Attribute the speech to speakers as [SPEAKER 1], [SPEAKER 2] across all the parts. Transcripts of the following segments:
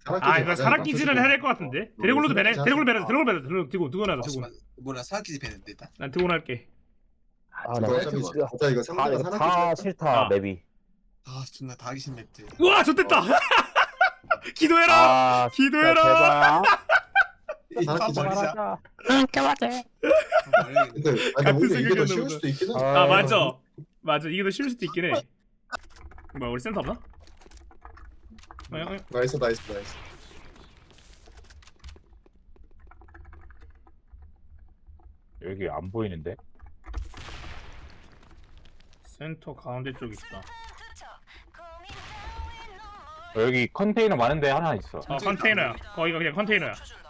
[SPEAKER 1] 아 이거 사락기지는 해야 될 것 같은데. 드래곤로도 배네. 드래곤 배네. 드래곤 들고 나가.
[SPEAKER 2] 몰라 사기지 배는데 일단.
[SPEAKER 1] 난 드래곤 할게.
[SPEAKER 3] 아, 나
[SPEAKER 4] 어차피
[SPEAKER 3] 진짜
[SPEAKER 4] 진짜 이거 상대가
[SPEAKER 3] 다
[SPEAKER 4] 사나키
[SPEAKER 3] 싫다
[SPEAKER 1] 아.
[SPEAKER 3] 맵이.
[SPEAKER 2] 아 존나 다 하기 싫은 맵들.
[SPEAKER 1] 우와 좋됐다. 기도해라.
[SPEAKER 3] 아,
[SPEAKER 1] 기도해라.
[SPEAKER 4] 사나키
[SPEAKER 2] 버리자.
[SPEAKER 4] 근데
[SPEAKER 1] 같은
[SPEAKER 4] 오히려 이게 더
[SPEAKER 1] 생각이었나
[SPEAKER 4] 쉬울
[SPEAKER 1] 보다.
[SPEAKER 4] 수도 있긴 해.
[SPEAKER 1] 아 맞아. 맞아 이게 더 쉬울 수도 있긴 해. 뭐야 우리 센터 없나?
[SPEAKER 4] 나이스.
[SPEAKER 3] 여기 안 보이는데?
[SPEAKER 1] 센터 가운데 쪽 있다.
[SPEAKER 3] 여기 컨테이너 많은데 하나 있어.
[SPEAKER 1] 컨테이너야. 거기가 그냥 컨테이너야.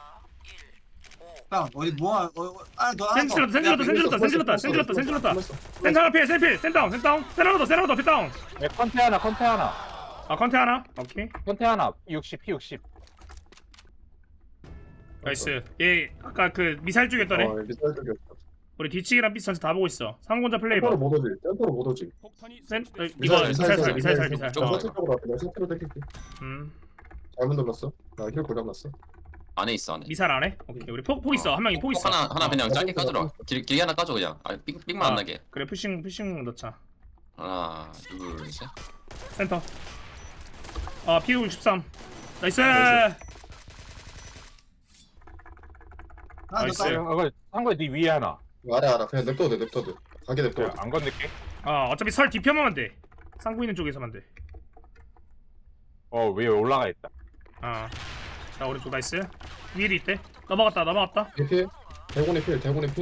[SPEAKER 2] 형 어디 뭐야? 아너
[SPEAKER 1] 센 질렀다. 센터 하나 피해. 센다운. 세라로더 피다운.
[SPEAKER 3] 네, 컨테 하나.
[SPEAKER 1] 아 컨테 하나. 오케이.
[SPEAKER 3] 컨테 하나. P60.
[SPEAKER 1] 나이스. 얘 아까 그 미사일 쪽에 있더래.
[SPEAKER 4] 미사일 쪽이었어.
[SPEAKER 1] 우리 뒤치기랑 삐 전체 다 보고 있어. 상공자 플레이버.
[SPEAKER 4] 템포로 못 오지.
[SPEAKER 1] 이거 미사일.
[SPEAKER 4] 서쪽으로 앞에 내가 서쪽으로 땡길게. 잘못 눌렀어. 나 힐 고장났어.
[SPEAKER 5] 안에 있어 안에.
[SPEAKER 1] 미사일 안 해? 오케이. 우리 폭 있어. 한 명이 폭 있어.
[SPEAKER 5] 하나 그냥 짧게
[SPEAKER 4] 어,
[SPEAKER 5] 까주라. 길게 하나 까줘 그냥. 아 삑만 안 나게.
[SPEAKER 1] 그래 푸싱 넣자.
[SPEAKER 5] 하나 둘 셋.
[SPEAKER 1] 센터. 아 P63. 나이스. 나이스.
[SPEAKER 3] 이거 한거에 네 위에 하나.
[SPEAKER 4] 알아. 그냥 냅둬도 돼. 가게 냅둬.
[SPEAKER 3] 그래, 안 건들게.
[SPEAKER 1] 어차피 설 뒤편만 돼. 상구 있는 쪽에서만 돼.
[SPEAKER 3] 위에 올라가 있다.
[SPEAKER 1] 자 오른쪽 나이스. 위에도 있대. 넘어갔다.
[SPEAKER 4] 필. 대곤이 필.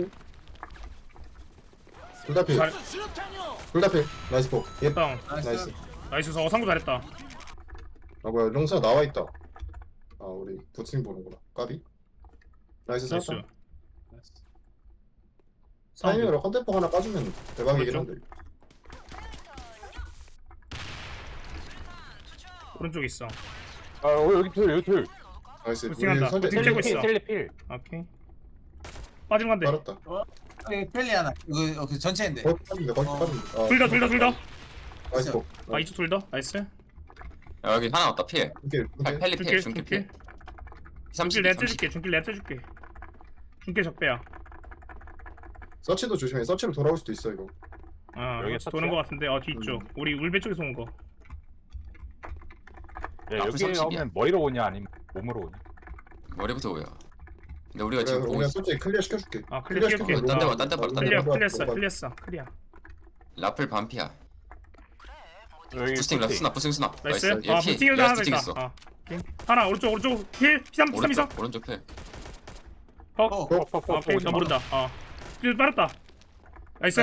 [SPEAKER 4] 둘 다 필.
[SPEAKER 1] 잘-
[SPEAKER 4] 나이스 폭. 예.
[SPEAKER 1] 다운.
[SPEAKER 4] 나이스.
[SPEAKER 1] 나이스. 상구 잘했다.
[SPEAKER 4] 아 뭐야 용사 나와 있다. 아 우리 부팅 보는구나. 까비. 나이스
[SPEAKER 1] 나이스.
[SPEAKER 4] 샀다.
[SPEAKER 1] 사운드.
[SPEAKER 4] 타이밍으로 컨템포 하나 까주면 대박이긴
[SPEAKER 1] 그렇죠.
[SPEAKER 4] 한데.
[SPEAKER 1] 오른쪽 있어.
[SPEAKER 3] 여기 둘.
[SPEAKER 4] 나이스.
[SPEAKER 1] 부팅한다.
[SPEAKER 4] 설대
[SPEAKER 1] 부팅 째고 있어.
[SPEAKER 3] 셀리필.
[SPEAKER 1] 오케이. 빠진 건데.
[SPEAKER 4] 빨았다.
[SPEAKER 2] 펠리 하나. 이거 그 전체인데.
[SPEAKER 4] 거기 빠진다.
[SPEAKER 1] 둘 더.
[SPEAKER 4] 나이스 폭.
[SPEAKER 1] 이쪽 둘 더. 나이스.
[SPEAKER 5] 야, 여기 하나 왔다 피해.
[SPEAKER 4] 오케이.
[SPEAKER 5] 펠리 피해. 중계 피해.
[SPEAKER 1] 중길
[SPEAKER 5] 30.
[SPEAKER 1] 내가 떼줄게. 중길 적배야.
[SPEAKER 4] 서치도 조심해. 서치로 돌아올 수도 있어 이거.
[SPEAKER 3] 여기
[SPEAKER 1] 도는 거 같은데. 뒤쪽. 우리 울배 쪽에서 온 거.
[SPEAKER 3] 야,
[SPEAKER 5] 앞으로
[SPEAKER 3] 여기
[SPEAKER 5] 30이야.
[SPEAKER 3] 오면 머리로 오냐 아니면 몸으로 오냐?
[SPEAKER 5] 머리부터 보여. 근데 우리가
[SPEAKER 4] 그래,
[SPEAKER 5] 지금 보고
[SPEAKER 4] 그냥
[SPEAKER 5] 있어.
[SPEAKER 4] 솔직히 클리어 시켜줄게.
[SPEAKER 1] 클리어 시켜줄게.
[SPEAKER 4] 시켜줄게.
[SPEAKER 5] 딴데 봐.
[SPEAKER 1] 클리어.
[SPEAKER 5] 라플 반피야.
[SPEAKER 3] 여기
[SPEAKER 5] 부스팅 스나.
[SPEAKER 1] 나이스.
[SPEAKER 5] 얘 피.
[SPEAKER 1] 부팅을
[SPEAKER 5] 얘
[SPEAKER 1] 하나
[SPEAKER 5] 부스팅
[SPEAKER 1] 있다.
[SPEAKER 5] 있어.
[SPEAKER 1] 오케이. 하나 오른쪽 힐 P3 있어.
[SPEAKER 5] 오른쪽 필.
[SPEAKER 1] 오케이. 나 모른다. 힐 빠졌다. 나이스.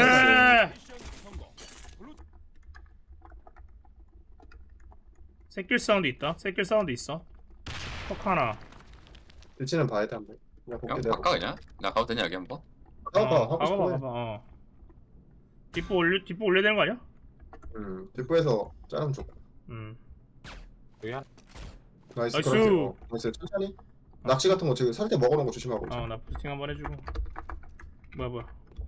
[SPEAKER 1] 새길 사운드 있어. 턱 하나.
[SPEAKER 4] 대치는 봐야 돼 한번. 그냥 볼게
[SPEAKER 5] 형
[SPEAKER 4] 내가.
[SPEAKER 5] 바꿔 그냥. 나 가도 되냐 여기 한번?
[SPEAKER 4] 하고 싶어.
[SPEAKER 1] 봐봐. 뒷부 올려야 되는 거 아니야?
[SPEAKER 4] 뒷부에서 짜면 좋고.
[SPEAKER 3] 여기 하나.
[SPEAKER 4] 나이스.
[SPEAKER 1] 나이스.
[SPEAKER 4] 나이스. 천천히. 낚시 같은 거 지금 설때 먹어놓은 거 조심하고.
[SPEAKER 1] 나 부스팅 한번 해주고. 뭐야.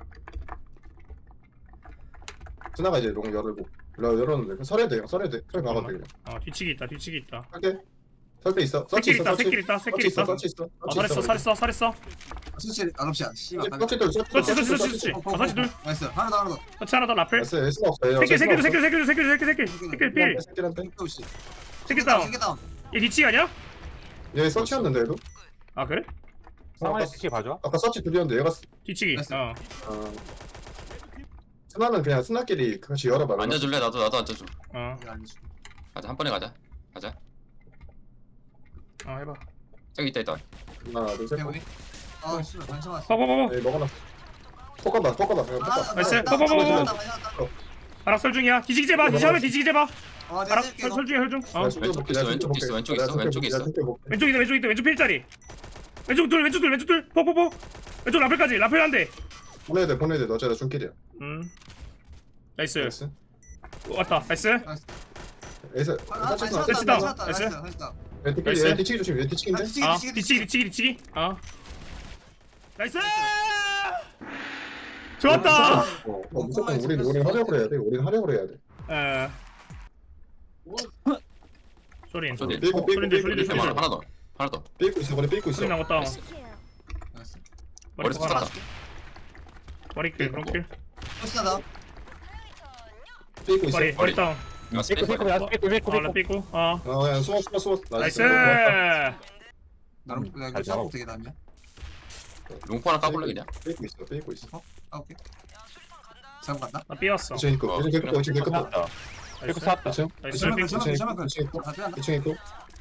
[SPEAKER 4] 스나가 이제 롱 열고. 열었는데 설해야 돼. 설해야 돼. 설 막아도 돼 그냥.
[SPEAKER 1] 뒤치기 있다.
[SPEAKER 4] 할게. 설때 있어.
[SPEAKER 1] 새끼 있다.
[SPEAKER 4] 서치 있어.
[SPEAKER 1] 살했어.
[SPEAKER 2] 수치 안옵시야. 씨발.
[SPEAKER 4] 서치 둘.
[SPEAKER 1] 서치. 서치 둘.
[SPEAKER 2] 나이스. 하나 더.
[SPEAKER 1] 서치 하나 더 라플.
[SPEAKER 4] 나이스. 에스가 없어요.
[SPEAKER 1] 새끼 필.
[SPEAKER 2] 씨.
[SPEAKER 1] 새끼 다운.
[SPEAKER 2] 다운.
[SPEAKER 1] 얘 뒤치기 아니야?
[SPEAKER 4] 얘 서치였는데 얘도.
[SPEAKER 1] 그래?
[SPEAKER 3] 상황에 특히 봐줘.
[SPEAKER 4] 아까 서치 둘이었는데 얘가
[SPEAKER 1] 뒤치기.
[SPEAKER 4] 스나는 그냥 스나끼리 같이 열어봐.
[SPEAKER 5] 앉아줄래? 나도 앉아줘. 가자 한 번에 가자.
[SPEAKER 1] 해봐.
[SPEAKER 5] 저기 있다.
[SPEAKER 4] 하나 둘 셋.
[SPEAKER 2] 우리. 씨발 관심 왔어.
[SPEAKER 1] 봐봐.
[SPEAKER 4] 네 먹어놨어. 톡간다. 그냥 톡가.
[SPEAKER 1] 나이스. 알아 설 중이야. 뒤지기 제봐. 뒤지기 제봐. 알아 설 중이야 설 중.
[SPEAKER 5] 왼쪽에 있어.
[SPEAKER 1] 왼쪽 필자리. 왼쪽 둘. 포. 왼쪽 라플까지. 라플 한 대.
[SPEAKER 4] 보내야 돼. 너 어차피 중길이야.
[SPEAKER 1] 나이스.
[SPEAKER 4] 나이스.
[SPEAKER 1] 왔다. 나이스.
[SPEAKER 4] 에이스.
[SPEAKER 1] 설치 다운. 나이스. 나이스.
[SPEAKER 4] 뒤치기 조심. 얘 뒤치기인데.
[SPEAKER 1] 뒤치기. 나이스. 좋았다.
[SPEAKER 4] 무조건 우리는 하려고 해야 돼.
[SPEAKER 1] 소린.
[SPEAKER 5] 소리.
[SPEAKER 4] 삐고 삐고
[SPEAKER 1] 소린들,
[SPEAKER 4] 삐고
[SPEAKER 1] 소린들,
[SPEAKER 4] 삐고
[SPEAKER 5] 하나 더. 하나 더.
[SPEAKER 4] 삐고 있어 머리 삐고 있어.
[SPEAKER 1] 소린 나갔다.
[SPEAKER 5] 나이스.
[SPEAKER 2] 나이스.
[SPEAKER 1] 머리
[SPEAKER 5] 머리
[SPEAKER 1] 하나.
[SPEAKER 5] 쏟았다.
[SPEAKER 1] 머리킬, 브롱킬.
[SPEAKER 2] 포스나다.
[SPEAKER 4] 삐고 있어.
[SPEAKER 1] 머리 다운.
[SPEAKER 5] 나이스.
[SPEAKER 3] 삐꾸 삐꾸 삐꾸 삐꾸 삐꾸
[SPEAKER 1] 나 삐꾸.
[SPEAKER 4] 그냥 숨어.
[SPEAKER 1] 나이스.
[SPEAKER 2] 나름 나 이거
[SPEAKER 3] 잘
[SPEAKER 2] 작업
[SPEAKER 3] 잡아.
[SPEAKER 2] 되게 낫냐?
[SPEAKER 5] 롱포 하나 까볼래 그냥?
[SPEAKER 4] 삐고 있어.
[SPEAKER 2] 아 오케이. 잘못 갔나?
[SPEAKER 1] 나 삐웠어.
[SPEAKER 4] 2층 있고 2층 있고 2층 있고
[SPEAKER 3] 쌌다. 삐꾸 쌌다.
[SPEAKER 4] 2층
[SPEAKER 1] 나이스.
[SPEAKER 2] 저만
[SPEAKER 1] 삐꾸.
[SPEAKER 2] 저만 저만
[SPEAKER 4] 2층 있고
[SPEAKER 2] 아 빼앗나?
[SPEAKER 4] 2층 있고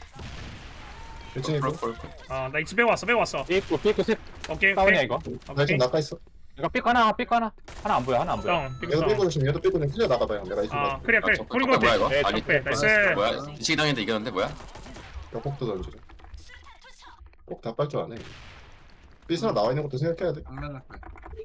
[SPEAKER 4] 1층 있고
[SPEAKER 5] 볼.
[SPEAKER 1] 나 이집 빼고 왔어.
[SPEAKER 3] 삐꾸 셋.
[SPEAKER 1] 오케이,
[SPEAKER 3] 다운이야
[SPEAKER 1] 오케이.
[SPEAKER 3] 이거.
[SPEAKER 4] 나 지금 나가 있어.
[SPEAKER 3] 이거 삐꾸 하나 안 보여.
[SPEAKER 1] 다운. 삐꾸
[SPEAKER 4] 얘도
[SPEAKER 1] 다운.
[SPEAKER 4] 삐고 조심 얘도 삐고 좀 틀려 나가봐요. 내가 있을
[SPEAKER 1] 아,
[SPEAKER 4] 거
[SPEAKER 1] 그래. 보린 거
[SPEAKER 5] 뭐야
[SPEAKER 1] 같아.
[SPEAKER 5] 이거?
[SPEAKER 3] 네,
[SPEAKER 5] 아니
[SPEAKER 1] 적배. 나이스.
[SPEAKER 5] 뭐야? 이치기 당했는데 이겼는데 뭐야?
[SPEAKER 4] 벽폭도 던지자. 꼭다빨줄 아네. 삐스나 나와 있는 것도 생각해야 돼.
[SPEAKER 2] 정면 할 거야.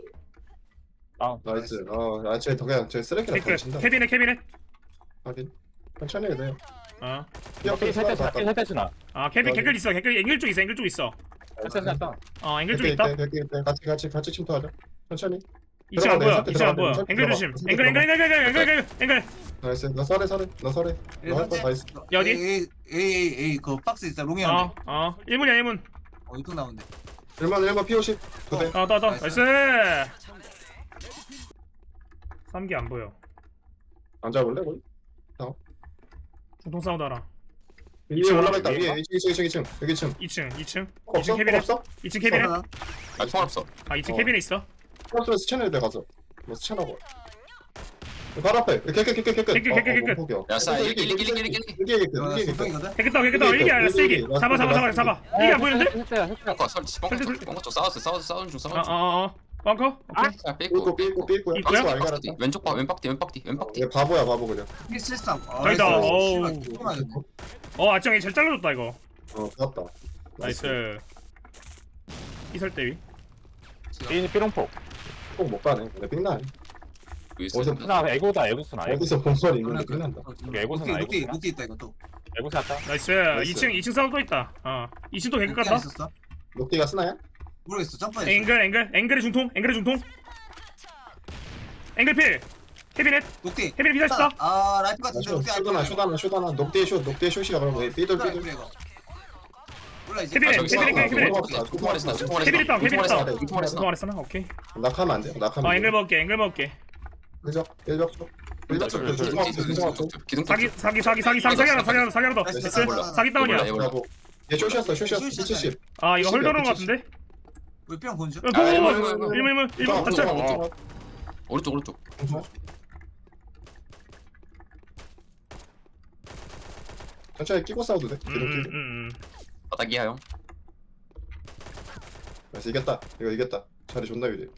[SPEAKER 4] 나이스. 쟤 그냥 쟤 쓰레기나
[SPEAKER 1] 테이크.
[SPEAKER 4] 던진다.
[SPEAKER 1] 캐비넷.
[SPEAKER 4] 하긴. 천천히 해야 돼요.
[SPEAKER 1] 어.
[SPEAKER 4] 삐
[SPEAKER 3] 셋대스나.
[SPEAKER 1] 아, 캐비 개글 있어. 앵글 쪽 있어.
[SPEAKER 3] 셋대스나.
[SPEAKER 1] 앵글 쪽 있다.
[SPEAKER 4] 같이 침투하자. 천천히.
[SPEAKER 1] 2층 안 보여.
[SPEAKER 4] 들어가,
[SPEAKER 1] 2층 안 보여.
[SPEAKER 4] 들어가.
[SPEAKER 1] 앵글 조심. 앵글.
[SPEAKER 4] 나이스. 너 설해. 나이스.
[SPEAKER 1] 야, 어디?
[SPEAKER 2] A 그 박스 있다 롱이 형.
[SPEAKER 1] 1문이야.
[SPEAKER 2] 이쪽 나온대.
[SPEAKER 4] 1번 POC. 그대.
[SPEAKER 1] 더. 나이스. 3기 안 보여.
[SPEAKER 4] 앉아볼래? 거기?
[SPEAKER 1] 중통 사운드 하나.
[SPEAKER 4] 위에 올라가 있다. 위에 2층. 여기 2층.
[SPEAKER 1] 2층.
[SPEAKER 4] 없어?
[SPEAKER 1] 2층 캐비넷.
[SPEAKER 4] 없어?
[SPEAKER 1] 2층 캐비넷.
[SPEAKER 5] 아직 총 없어.
[SPEAKER 1] 2층
[SPEAKER 4] 어.
[SPEAKER 1] 캐비넷 있어.
[SPEAKER 4] 없으면 스캔해야 돼 가서. 뭐 스캔하고. 바로 앞에. 깨끗.
[SPEAKER 5] 야, 싸. 일기.
[SPEAKER 2] 소통이거든.
[SPEAKER 1] 깨끗다. 이게 아니라 세기. 잡아. 이게 안 보이는데?
[SPEAKER 5] 벙커 벙커 싸우는 중.
[SPEAKER 1] 벙커? 오케이.
[SPEAKER 5] 자, 삐꾸.
[SPEAKER 4] 삐고.
[SPEAKER 1] 있고요?
[SPEAKER 4] 박스 알갈았다.
[SPEAKER 5] 왼쪽 봐. 왼박뒤.
[SPEAKER 4] 얘 바보야 바보 그냥.
[SPEAKER 2] 실상.
[SPEAKER 1] 저기다. 아짱이 잘 잘라줬다 이거.
[SPEAKER 4] 좋았다.
[SPEAKER 1] 나이스. 이설 대위.
[SPEAKER 3] 삐롱포.
[SPEAKER 4] 꼭못 가네. 근데 삥나.
[SPEAKER 5] 위에서
[SPEAKER 4] 어디서
[SPEAKER 3] 스나 애고스나.
[SPEAKER 4] 어디서 본 소리 있는데 삥난다.
[SPEAKER 2] 녹디 있다 이거 또.
[SPEAKER 3] 애고 쌌다.
[SPEAKER 1] 나이스.
[SPEAKER 4] 나이스.
[SPEAKER 1] 2층 사운드 또 있다. 2층도 개급
[SPEAKER 2] 녹디
[SPEAKER 1] 같다.
[SPEAKER 2] 안 있었어?
[SPEAKER 4] 녹디가 쓰나야?
[SPEAKER 2] 모르겠어. 점프했어.
[SPEAKER 1] 앵글의 중통. 앵글 필. 캐비넷
[SPEAKER 2] 녹디.
[SPEAKER 1] 캐비넷 비사했어.
[SPEAKER 2] 라이프 같은데 녹디 안 보여.
[SPEAKER 4] 슈다나. 녹디의 슛이야 그럼. 삐돌.
[SPEAKER 2] 몰라 이제.
[SPEAKER 1] 캐비넷. 캐비넷 다운.
[SPEAKER 5] 중통
[SPEAKER 1] 말했잖아. 오케이.
[SPEAKER 4] 낙하면 안 돼.
[SPEAKER 1] 앵글 먹을게.
[SPEAKER 4] 그죠? 1벽 쪽. 1벽 쪽.
[SPEAKER 5] 기둥
[SPEAKER 1] 사기 하나 더.
[SPEAKER 2] 나이스.
[SPEAKER 5] 몰라.
[SPEAKER 1] 사기 다운이야.
[SPEAKER 4] 얘 숏이었어. 70.
[SPEAKER 1] 이거 헐더는 거 같은데?
[SPEAKER 2] 우리 뿅 본주.
[SPEAKER 1] 일문 닫혀.
[SPEAKER 5] 오른쪽.
[SPEAKER 4] 천천히 끼고 싸워도 돼.
[SPEAKER 5] 바닥이야 형.
[SPEAKER 4] 그래서 이겼다. 이거 이겼다. 자리 존나 유리해.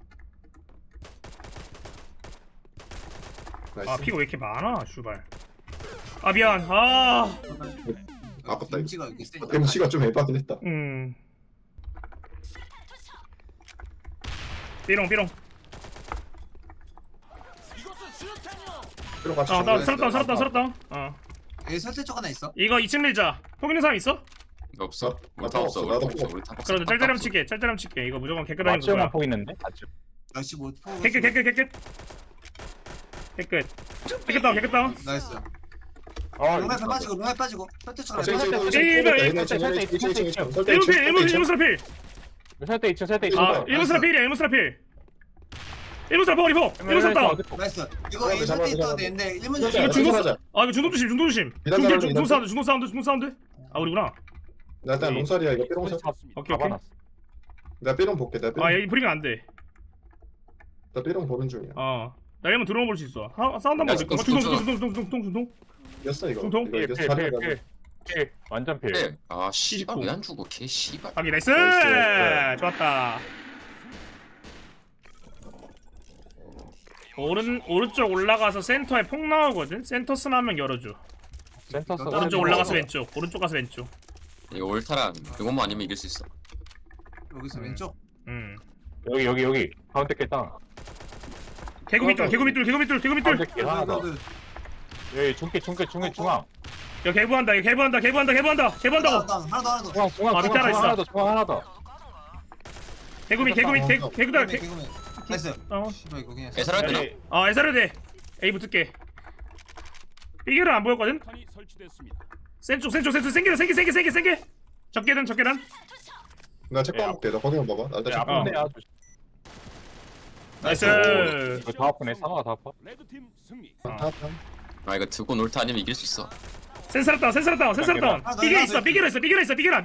[SPEAKER 4] 나이스.
[SPEAKER 1] 피가 왜 이렇게 많아, 슈발. 미안.
[SPEAKER 4] 아깝다, 이거.
[SPEAKER 2] 김치가 이렇게 세.
[SPEAKER 4] MC가 좀 에바긴 했다.
[SPEAKER 1] 삐롱.
[SPEAKER 4] 그리고 같이
[SPEAKER 1] 나
[SPEAKER 4] 정리했어.
[SPEAKER 1] 살았다.
[SPEAKER 2] 여기 설대 쪽 하나 있어.
[SPEAKER 1] 이거 2층 밀자. 폭 있는 사람 있어?
[SPEAKER 5] 없어. 우리
[SPEAKER 4] 나도
[SPEAKER 5] 다 없어.
[SPEAKER 4] 없어.
[SPEAKER 5] 우리 다 없어.
[SPEAKER 1] 그럼 짤짤함 칠게. 이거 무조건 개끗하는
[SPEAKER 3] 맞지만
[SPEAKER 1] 거야.
[SPEAKER 3] 포 있는데. 맞지.
[SPEAKER 2] 날씨 뭐.
[SPEAKER 1] 개끗. 개끗 다운.
[SPEAKER 2] 나이스.
[SPEAKER 3] 어.
[SPEAKER 2] 롱에 빠지고. 설대 쪽 하나.
[SPEAKER 1] 일문 스라 필.
[SPEAKER 3] 설대 2층.
[SPEAKER 1] 일문 스라 필이야. 일문 스라 머리 포. 일문 스라 다운.
[SPEAKER 2] 나이스. 이거 A 설대 있어도 되는데 1문
[SPEAKER 1] 이거 중도 중도 조심.
[SPEAKER 4] 미단
[SPEAKER 1] 중도 사운드. 우리구나.
[SPEAKER 4] 나 일단 롱살이야. 이거 삐롱살.
[SPEAKER 1] 오케이.
[SPEAKER 4] 내가 삐롱 볼게.
[SPEAKER 1] 여기 브리가 안 돼.
[SPEAKER 4] 나 삐롱 보는 중이야.
[SPEAKER 1] 나 이러면 들어볼 수 있어. 사운드 한번 볼까? 중통.
[SPEAKER 4] 이겼어 이거.
[SPEAKER 1] 중통?
[SPEAKER 4] 이거 이겼어. 자리가
[SPEAKER 3] 필. 완전 필.
[SPEAKER 5] 네. 씨발 왜 안 죽어? 개 씨발.
[SPEAKER 1] 하기 나이스.
[SPEAKER 4] 나이스.
[SPEAKER 1] 좋았다. 오른쪽 올라가서 센터에 폭 나오거든. 센터 스나 한명 열어줘.
[SPEAKER 3] 센터스.
[SPEAKER 1] 오른쪽 올라가서 왼쪽. 오른쪽 가서 왼쪽.
[SPEAKER 5] 이거 올타란 그것만 아니면 이길 수 있어.
[SPEAKER 2] 여기서 왼쪽.
[SPEAKER 3] 여기. 가운데 깼다.
[SPEAKER 1] 개구미 뚫.
[SPEAKER 3] 가운데 깼 하나 더. 여기 중앙.
[SPEAKER 1] 야 개부한다. 개부한다고.
[SPEAKER 2] 하나 더.
[SPEAKER 3] 중앙
[SPEAKER 1] 밑에
[SPEAKER 3] 하나 더.
[SPEAKER 1] 개구미. 개구다.
[SPEAKER 2] 나이스.
[SPEAKER 1] 어.
[SPEAKER 2] 씨발 이거 그냥.
[SPEAKER 5] 애설할 때나?
[SPEAKER 1] 에사르 돼. A 붙을게. 삐개를 안 보였거든. 센쪽 생겨 적게단
[SPEAKER 4] 나 체크하고 올게. 나 거기만 봐봐. 나 일단 체크.
[SPEAKER 1] 어.
[SPEAKER 3] 아픈데야.
[SPEAKER 1] 나이스.
[SPEAKER 3] 이거 다 아프네. 상어가 다 아파.
[SPEAKER 5] 아 이거 두고 놀타 아니면 이길 수 있어.
[SPEAKER 1] 센스럽다
[SPEAKER 2] 아, 너
[SPEAKER 1] 삐겨
[SPEAKER 2] 이거
[SPEAKER 1] 있어 삐겨라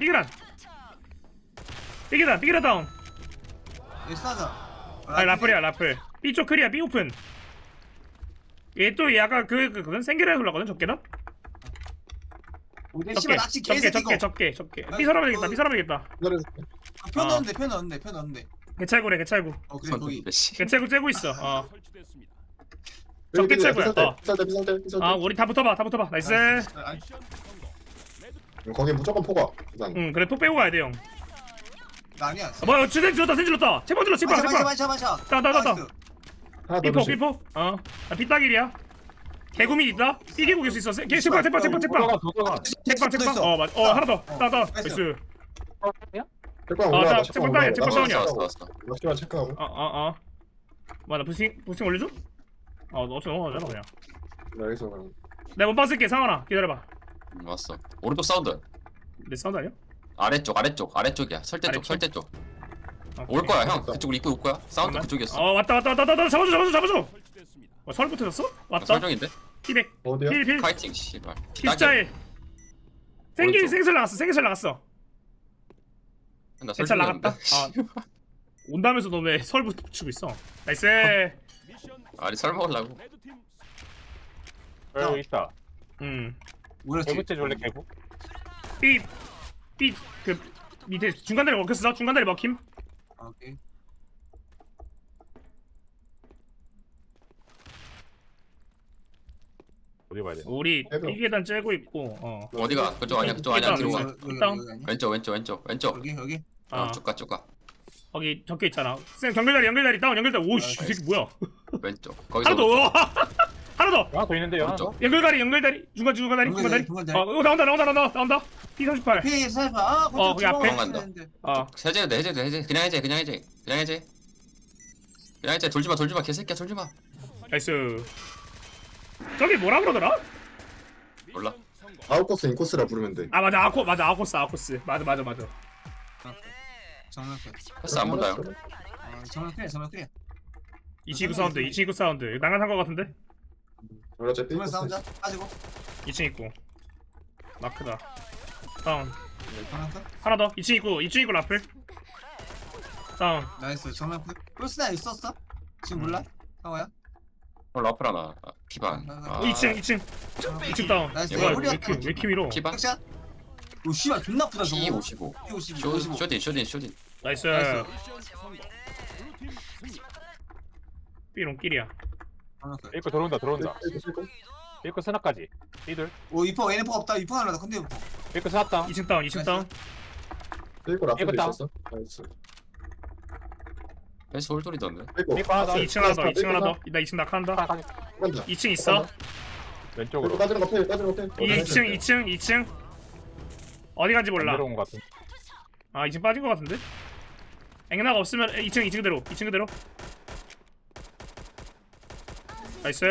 [SPEAKER 1] 다운
[SPEAKER 2] 얘 싸자.
[SPEAKER 1] 아 라플이야 라플 B쪽 클리어 B 오픈 얘 또 약간 그건 생기라에 흘러거든 적게다
[SPEAKER 2] 우리 씨발 낚시 개새끼고.
[SPEAKER 1] 적게 B 사람 되겠다
[SPEAKER 2] 편 넣었는데 편 넣었는데.
[SPEAKER 1] 개찰구래
[SPEAKER 2] 그래 거기.
[SPEAKER 5] 씨.
[SPEAKER 1] 개찰구 째고 있어
[SPEAKER 4] 여기
[SPEAKER 1] 적게 채굴.
[SPEAKER 4] 비쌀 때.
[SPEAKER 1] 우리 다 붙어봐 나이스
[SPEAKER 2] 아니,
[SPEAKER 4] 거기 무조건 포가. 일단.
[SPEAKER 1] 응 그래 톡 빼고 가야 돼형
[SPEAKER 2] 나 아니야.
[SPEAKER 1] 뭐야 센 질렀다 제발
[SPEAKER 2] 마셔.
[SPEAKER 1] 따
[SPEAKER 2] 나이스.
[SPEAKER 4] 하나 더
[SPEAKER 1] 삐포
[SPEAKER 4] 조심.
[SPEAKER 1] 삐딱일이야 개구미 있다 삐개고 계수 있어 제발
[SPEAKER 3] 도서관.
[SPEAKER 1] 책방 맞아 하나 더 나이스
[SPEAKER 4] 체크하고
[SPEAKER 1] 나
[SPEAKER 4] 올라와.
[SPEAKER 1] 체크 다운이야, 체크 다운이야.
[SPEAKER 5] 왔어.
[SPEAKER 4] 낚시만 체크하고.
[SPEAKER 1] 뭐야 나 부스팅 올려줘? 너 어차피 넘어가잖아 그냥
[SPEAKER 4] 나 여기서 그냥.
[SPEAKER 1] 내가 원방 쓸게 상원아 기다려봐
[SPEAKER 5] 왔어. 오른쪽 사운드.
[SPEAKER 1] 내 사운드 아니야?
[SPEAKER 5] 아래쪽이야. 설대 쪽.
[SPEAKER 1] 오케이.
[SPEAKER 5] 올 거야 형. 그쪽으로 입고 올 거야. 사운드 그쪽이었어.
[SPEAKER 1] 왔다 잡아줘 설부 터졌어? 왔다
[SPEAKER 5] 설정인데?
[SPEAKER 1] 피백
[SPEAKER 4] 어디야?
[SPEAKER 1] 필
[SPEAKER 5] 파이팅 씨발.
[SPEAKER 1] 필자일
[SPEAKER 5] 오른쪽.
[SPEAKER 1] 생길 나갔어
[SPEAKER 5] 나
[SPEAKER 1] 괜찮
[SPEAKER 5] 설정인데.
[SPEAKER 1] 나갔다 온다면서 너 왜 설부 붙이고 있어 나이스
[SPEAKER 5] 아니 설 먹으려고.
[SPEAKER 3] 여기 있다.
[SPEAKER 2] 뭐였지?
[SPEAKER 3] 개구째 줄래 개구?
[SPEAKER 1] 그 밑에 중간다리 먹혔어 중간다리 먹힘
[SPEAKER 2] 오케이.
[SPEAKER 3] 어디 봐야 돼?
[SPEAKER 1] 우리
[SPEAKER 4] 해도.
[SPEAKER 1] B계단 째고 있고
[SPEAKER 5] 어디가? 그쪽 아니야.
[SPEAKER 1] 일단
[SPEAKER 5] 들어와.
[SPEAKER 1] 일단.
[SPEAKER 5] 왼쪽.
[SPEAKER 2] 여기.
[SPEAKER 5] 쭉 가.
[SPEAKER 1] 거기 적혀 있잖아 연결다리 다운 연결다리 오씨 이 새끼 뭐야
[SPEAKER 5] 왼쪽. 거기서
[SPEAKER 1] 하나 더
[SPEAKER 5] 오른쪽.
[SPEAKER 1] 하나 더
[SPEAKER 3] 하나 더 있는데요. 하나 더?
[SPEAKER 5] 오른쪽.
[SPEAKER 1] 연결다리 중간다리
[SPEAKER 2] 중간다리.
[SPEAKER 1] 이거 나온다 P38
[SPEAKER 2] 피 살파.
[SPEAKER 1] 거기 앞에.
[SPEAKER 5] 해제. 그냥 해제. 돌지 마. 개새끼야 돌지 마.
[SPEAKER 1] 나이스 저기 뭐라 그러더라?
[SPEAKER 5] 몰라.
[SPEAKER 4] 아웃코스 인코스라 부르면 돼.
[SPEAKER 1] 맞아 아코스 맞아
[SPEAKER 2] 정면 클.
[SPEAKER 5] 패스 안 본다 형.
[SPEAKER 2] 정면 클.
[SPEAKER 1] 229 사운드 나간 거 같은데?
[SPEAKER 4] 어차피
[SPEAKER 2] 정면 싸우자. 빠지고.
[SPEAKER 1] 2층 있고 마크다 다운
[SPEAKER 2] 정면 클.
[SPEAKER 1] 하나 더 2층 있고 라플 다운
[SPEAKER 2] 나이스. 정면 클. 플스나 있었어? 지금 몰라? 상호야?
[SPEAKER 5] 라플 하나. 피반.
[SPEAKER 1] 2층 다운
[SPEAKER 2] 나이스.
[SPEAKER 1] 뭐야
[SPEAKER 2] 우리가
[SPEAKER 1] 왜 이렇게 밀어
[SPEAKER 5] 피반.
[SPEAKER 2] 섹샷. 오 씨발 존나 아프다 저거.
[SPEAKER 5] P55.
[SPEAKER 2] P55.
[SPEAKER 5] 쇼딘.
[SPEAKER 1] 나이스
[SPEAKER 2] 나이스.
[SPEAKER 1] 삐롱끼리야
[SPEAKER 2] 정면 클.
[SPEAKER 3] 일거 들어온다. 일거 스나까지. 이들.
[SPEAKER 2] 오 이퍼 얘네 퍼 없다. 이퍼 하나다. 근데 이퍼.
[SPEAKER 3] 일거 스났다.
[SPEAKER 1] 2층 다운
[SPEAKER 4] 일고 라플도
[SPEAKER 3] 이거
[SPEAKER 4] 있었어. 나이스.
[SPEAKER 5] 패스 홀돌이던데.
[SPEAKER 4] 일고.
[SPEAKER 3] 일거 하나 더.
[SPEAKER 1] 2층 하나 더 나 2층 낙한다
[SPEAKER 3] 간다.
[SPEAKER 1] 2층 있어
[SPEAKER 3] 왼쪽으로.
[SPEAKER 4] 일고 빠지는 거 패.
[SPEAKER 1] 2층 어디 간지 몰라
[SPEAKER 3] 내려온 것 같은.
[SPEAKER 1] 2층 빠진 거 같은데? 앵나가 없으면 2층 그대로 나이스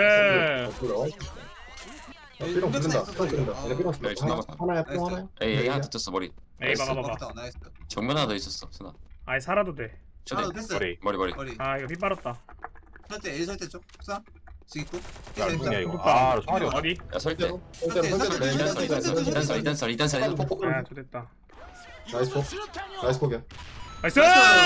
[SPEAKER 4] 삐롱 붙는다.
[SPEAKER 5] 네, 지나갔다.
[SPEAKER 4] 하나야 삐롱 하나야.
[SPEAKER 5] 에이 하나 붙었어 머리.
[SPEAKER 1] 에이
[SPEAKER 5] 나이스.
[SPEAKER 1] 봐봐
[SPEAKER 2] 나이스.
[SPEAKER 5] 정면 하나 더 있었어. 스나.
[SPEAKER 1] 살아도 돼
[SPEAKER 2] 하나
[SPEAKER 5] 쇼딘.
[SPEAKER 2] 패스.
[SPEAKER 3] 머리.
[SPEAKER 5] 머리.
[SPEAKER 2] 머리.
[SPEAKER 1] 이거 피 빨았다
[SPEAKER 2] 설대 A 설대 쪽. 싸. 지금 있고.
[SPEAKER 3] 야, 누구냐 이거. 총알이 없어.
[SPEAKER 1] 어디?
[SPEAKER 5] 야 설대. 이단설.
[SPEAKER 1] 좋됐다
[SPEAKER 4] 나이스 포기야.
[SPEAKER 1] 나이스!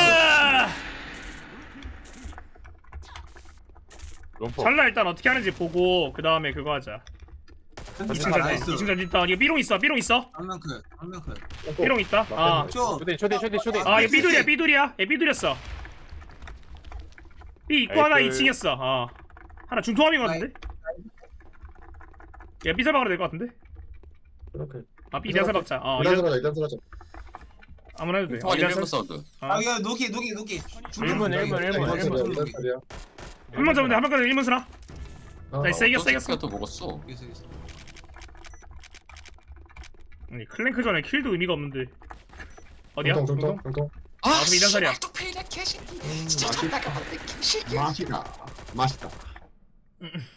[SPEAKER 3] 롬포.
[SPEAKER 1] 잘라 일단 어떻게 하는지 보고 그 다음에 그거 하자 2층 전진 다운 이거 삐롱 있어
[SPEAKER 2] 정면 클.
[SPEAKER 1] 삐롱 있다
[SPEAKER 2] 쇼.
[SPEAKER 3] 쇼딘.
[SPEAKER 1] 얘 삐둘이야 얘 삐둘이었어 삐 있고 하나
[SPEAKER 3] 에이,
[SPEAKER 1] 2층이었어 하나 중통함인 것 같은데? 얘 삐살 박아도 될 것 같은데?
[SPEAKER 4] 이렇게.
[SPEAKER 1] 삐 대살 박자
[SPEAKER 4] 일단 들어가자.
[SPEAKER 1] 아무나 해도 돼
[SPEAKER 5] 통화 1번 사운드.
[SPEAKER 2] 이거 노기.
[SPEAKER 3] 일문.
[SPEAKER 1] 한번 잡으면 돼한 번까지 1문 쓰나? 나이스 이겼어
[SPEAKER 5] 또 먹었어.
[SPEAKER 1] 아니 클랭크 전에 킬도 의미가 없는데 어디야?
[SPEAKER 4] 중통.
[SPEAKER 1] 그럼 이단살이야
[SPEAKER 4] 맛있다.